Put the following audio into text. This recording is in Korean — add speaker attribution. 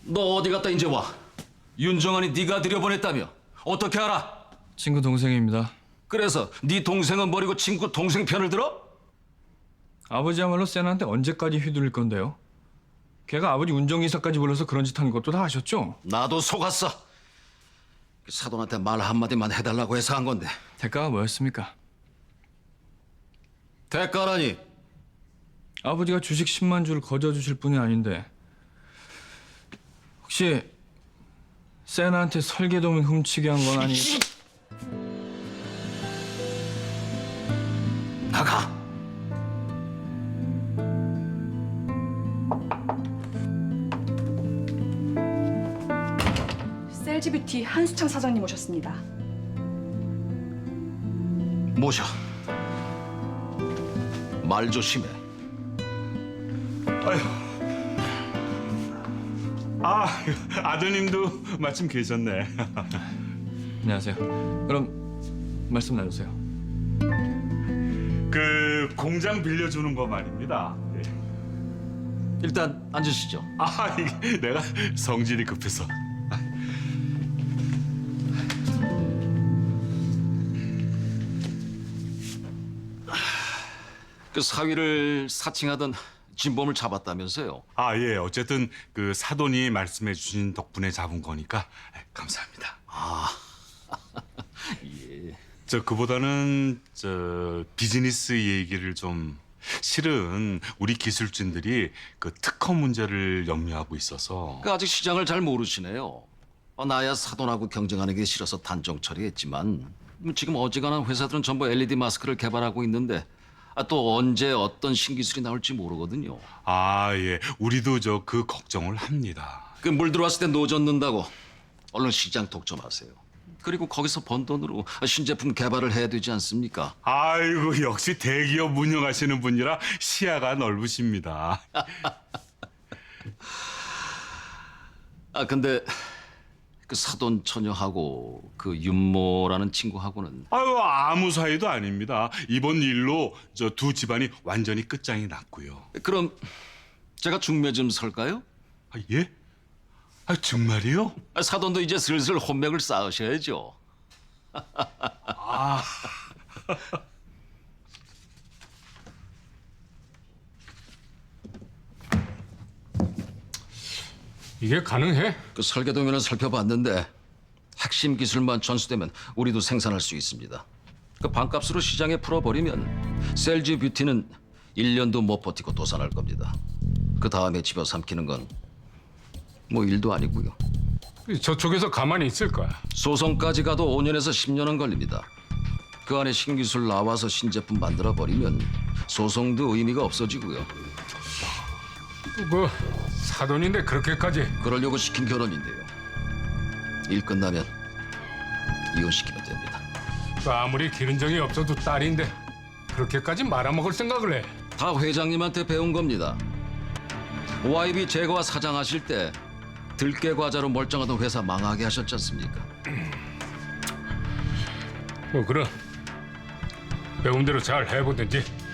Speaker 1: 너 어디 갔다 이제 와? 윤정환이 네가 들여보냈다며? 어떻게 알아?
Speaker 2: 친구 동생입니다.
Speaker 1: 그래서 네 동생은 버리고 친구 동생 편을 들어?
Speaker 2: 아버지야말로 세나한테 언제까지 휘둘릴 건데요? 걔가 아버지 운전기사까지 불러서 그런 짓 한 것도 다 아셨죠?
Speaker 1: 나도 속았어. 사돈한테 말 한마디만 해달라고 해서 한 건데.
Speaker 2: 대가가 뭐였습니까?
Speaker 1: 대가라니.
Speaker 2: 아버지가 주식 10만 주를 거저 주실 분이 아닌데 혹시 세나한테 설계도면 훔치게 한 건 아니?
Speaker 1: 나가.
Speaker 3: 셀지뷰티 한수창 사장님 오셨습니다.
Speaker 1: 모셔. 말 조심해.
Speaker 4: 아드님도 마침 계셨네.
Speaker 2: 안녕하세요. 그럼 말씀 나누세요.
Speaker 4: 그 공장 빌려주는 거 말입니다. 예.
Speaker 1: 일단 앉으시죠.
Speaker 4: 이게 내가 성질이 급해서.
Speaker 1: 그 사위를 사칭하던 진범을 잡았다면서요?
Speaker 4: 예. 어쨌든 그 사돈이 말씀해 주신 덕분에 잡은 거니까 감사합니다.
Speaker 1: 예.
Speaker 4: 그보다는 비즈니스 얘기를 좀 실은 우리 기술진들이 그 특허 문제를 염려하고 있어서.
Speaker 1: 그 아직 시장을 잘 모르시네요. 나야 사돈하고 경쟁하는 게 싫어서 단정 처리했지만 지금 어지간한 회사들은 전부 LED 마스크를 개발하고 있는데 또 언제 어떤 신기술이 나올지 모르거든요.
Speaker 4: 예. 우리도 그 걱정을 합니다.
Speaker 1: 그 물 들어왔을 때 노젓는다고 얼른 시장 독점하세요. 그리고 거기서 번 돈으로 신제품 개발을 해야 되지 않습니까?
Speaker 4: 아이고, 역시 대기업 운영하시는 분이라 시야가 넓으십니다.
Speaker 1: 근데 그 사돈 처녀하고 그 윤모라는 친구하고는
Speaker 4: 아무 사이도 아닙니다. 이번 일로 두 집안이 완전히 끝장이 났고요.
Speaker 1: 그럼 제가 중매 좀 설까요?
Speaker 4: 예? 정말이요?
Speaker 1: 사돈도 이제 슬슬 혼맥을 쌓으셔야죠.
Speaker 5: 이게 가능해?
Speaker 1: 그 설계도면을 살펴봤는데 핵심 기술만 전수되면 우리도 생산할 수 있습니다. 그 반값으로 시장에 풀어버리면 셀지 뷰티는 1년도 못 버티고 도산할 겁니다. 그 다음에 집어삼키는 건 뭐 일도 아니고요.
Speaker 5: 저쪽에서 가만히 있을 거야.
Speaker 1: 소송까지 가도 5년에서 10년은 걸립니다. 그 안에 신기술 나와서 신제품 만들어버리면 소송도 의미가 없어지고요.
Speaker 5: 그 사돈인데 그렇게까지.
Speaker 1: 그러려고 시킨 결혼인데요. 일 끝나면 이혼시키면 됩니다.
Speaker 5: 그 아무리 기른 정이 없어도 딸인데 그렇게까지 말아먹을 생각을 해.
Speaker 1: 다 회장님한테 배운 겁니다. YB 제거와 사장하실 때 들깨 과자로 멀쩡하던 회사 망하게 하셨지 않습니까?
Speaker 5: 그럼 배운 대로 잘 해보든지.